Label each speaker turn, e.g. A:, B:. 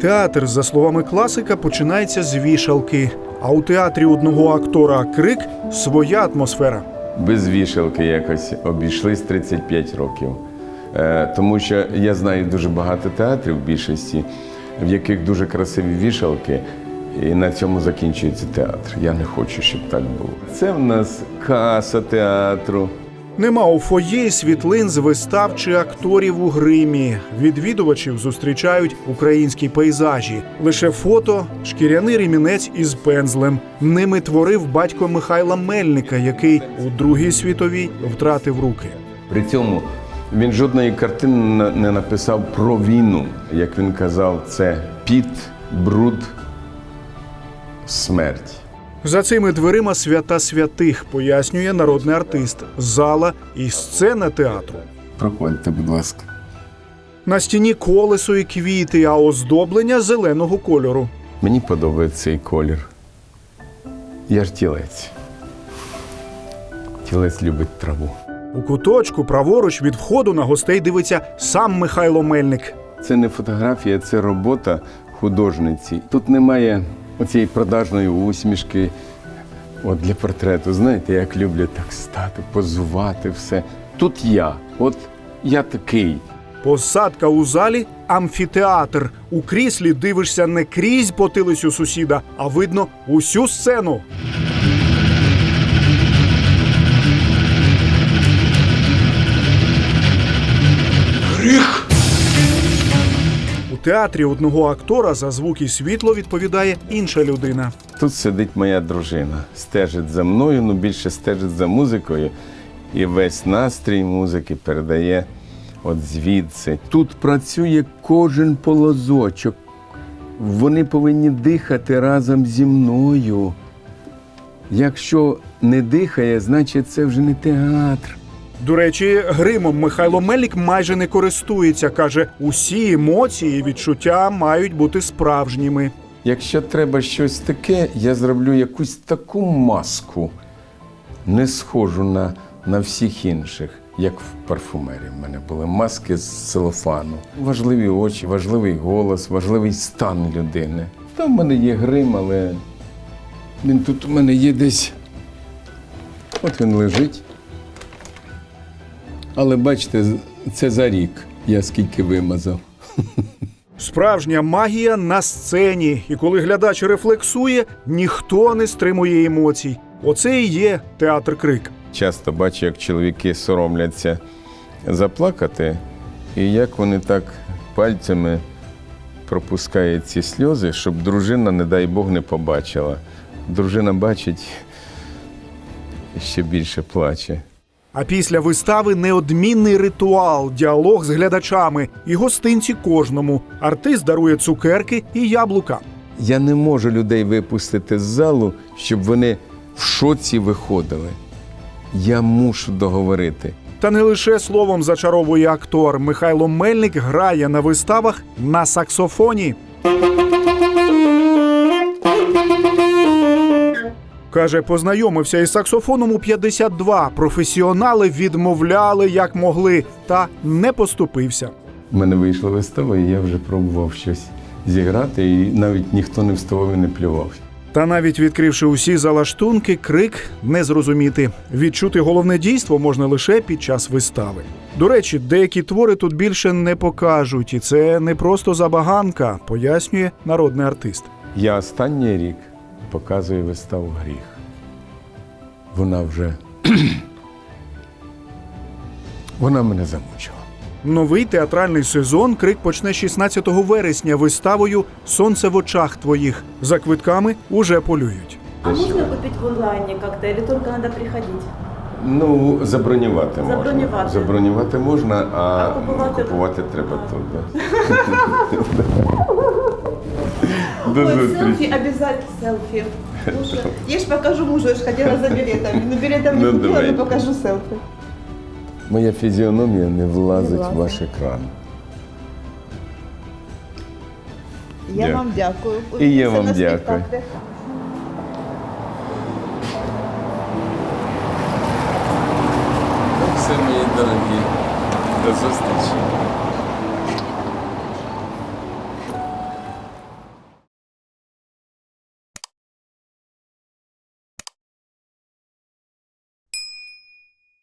A: Театр, за словами класика, починається з вішалки. А у театрі одного актора «Крик» своя атмосфера.
B: Без вішалки якось обійшлись 35 років. Тому що я знаю дуже багато театрів в більшості, в яких дуже красиві вішалки, і на цьому закінчується театр. Я не хочу, щоб так було. Це в нас каса театру.
A: Нема у фоє світлин з вистав чи акторів у гримі. Відвідувачів зустрічають українські пейзажі. Лише фото, шкіряний ремінець із пензлем. Ними творив батько Михайла Мельника, який у Другій світовій втратив руки.
B: При цьому він жодної картини не написав про війну. Як він казав, це піт, бруд, смерть.
A: За цими дверима свята святих, пояснює народний артист. Зала і сцена театру.
B: Проходьте, будь ласка.
A: На стіні колесо і квіти, а оздоблення зеленого кольору.
B: Мені подобається цей колір. Я ж тілець. Тілець любить траву.
A: У куточку праворуч від входу на гостей дивиться сам Михайло Мельник.
B: Це не фотографія, це робота художниці. Тут немає оцієї продажної усмішки для портрету. Знаєте, як люблять так стати, позувати все. Тут я такий.
A: Посадка у залі – амфітеатр. У кріслі дивишся не крізь потилицю сусіда, а видно усю сцену. Гріх! У театрі одного актора за звук і світло відповідає інша людина.
B: Тут сидить моя дружина, стежить за мною, більше стежить за музикою. І весь настрій музики передає звідси. Тут працює кожен полозочок. Вони повинні дихати разом зі мною. Якщо не дихає, значить це вже не театр.
A: До речі, гримом Михайло Мельник майже не користується. Каже, усі емоції і відчуття мають бути справжніми.
B: Якщо треба щось таке, я зроблю якусь таку маску, не схожу на всіх інших, як в парфумерії. В мене були маски з целофану. Важливі очі, важливий голос, важливий стан людини. Там в мене є грим, але він тут у мене є десь. От він лежить. Але бачите, це за рік я скільки вимазав.
A: Справжня магія на сцені. І коли глядач рефлексує, ніхто не стримує емоцій. Оце і є театр «Крик».
B: Часто бачу, як чоловіки соромляться заплакати, і як вони так пальцями пропускають ці сльози, щоб дружина, не дай Бог, не побачила. Дружина бачить і ще більше плаче.
A: А після вистави неодмінний ритуал, діалог з глядачами і гостинці кожному. Артист дарує цукерки і яблука.
B: Я не можу людей випустити з залу, щоб вони в шоці виходили. Я мушу договорити.
A: Та не лише словом зачаровує актор. Михайло Мельник грає на виставах на саксофоні. Каже, познайомився із саксофоном у 52. Професіонали відмовляли, як могли, та не поступився.
B: У мене вийшла вистава, і я вже пробував щось зіграти, і навіть ніхто не вставав і не плював.
A: Та навіть відкривши усі залаштунки, «Крик» не зрозуміти. Відчути головне дійство можна лише під час вистави. До речі, деякі твори тут більше не покажуть, і це не просто забаганка, пояснює народний артист.
B: Я останній рік показую виставу «Гріх». Вона вже... Вона мене замучила.
A: Новий театральний сезон «Крик» почне 16 вересня виставою «Сонце в очах твоїх». За квитками уже полюють.
C: А можно купить в онлайне как-то или только надо приходить?
B: Забронювати можна.
C: Забронювати.
B: Забронювати можна, а
C: купувати
B: треба тут. Да.
C: Ой, селфи, обязательно селфи. Слушай, я ж покажу мужу, я ж ходила за билетами. Но билетом не купила,
B: давай.
C: но покажу селфи.
B: Моя фізіономія не влазить в ваш екран.
C: Я
B: Дякую.
C: вам дякую.
B: І я
C: Увидимся
B: вам
C: на
B: дякую.
C: спектаклях.
B: Все, мої дорогі, до зустрічі.